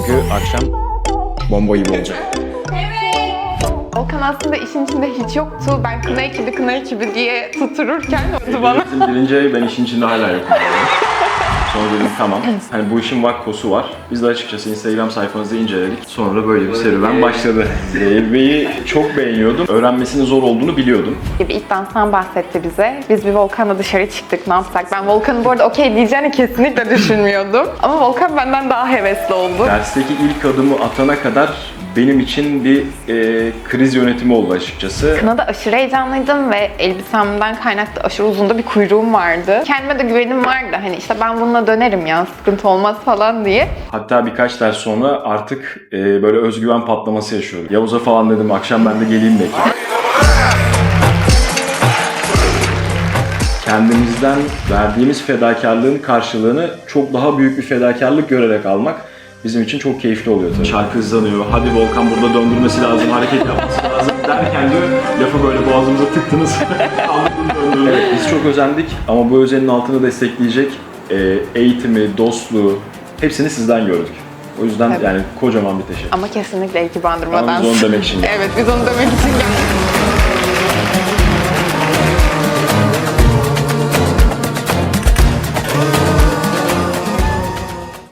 Çünkü akşam bomba gibi olacak. Volkan aslında işin içinde hiç yoktu. Ben kına ekibi diye tuttururken oldu bana. Bizim birinci ay ben işin içinde hala yokum. Sonra dedim tamam. Hani bu işin vakkosu var. Biz de açıkçası Instagram sayfanızı inceledik. Sonra böyle bir serüven başladı. Zeybey'i çok beğeniyordum. Öğrenmesinin zor olduğunu biliyordum. İlk danstan bahsetti bize. Biz bir Volkan'la dışarı çıktık, ne yapsak? Ben Volkan'ın bu arada okey diyeceğini kesinlikle düşünmüyordum. Ama Volkan benden daha hevesli oldu. Dersteki ilk adımı atana kadar benim için bir kriz yönetimi oldu açıkçası. Kınada aşırı heyecanlıydım ve elbisemden kaynaklı aşırı uzun da bir kuyruğum vardı. Kendime de güvenim vardı. Hani işte ben bununla dönerim ya, sıkıntı olmaz falan diye. Hatta birkaç ders sonra artık böyle özgüven patlaması yaşıyordum. Yavuz'a falan dedim akşam ben de geleyim belki. Kendimizden verdiğimiz fedakarlığın karşılığını çok daha büyük bir fedakarlık görerek almak bizim için çok keyifli oluyor tabii. Şarkı hızlanıyor, hadi Volkan burada döndürmesi lazım, hareket yapması lazım derken de lafı böyle boğazımıza tıktınız. Evet, biz çok özendik ama bu özenin altını destekleyecek eğitimi, dostluğu hepsini sizden gördük. O yüzden Evet. yani kocaman bir teşekkür. Ama kesinlikle iki bandırmadan. Ama biz onu demek için geldik. Evet, biz onu demek için geldik.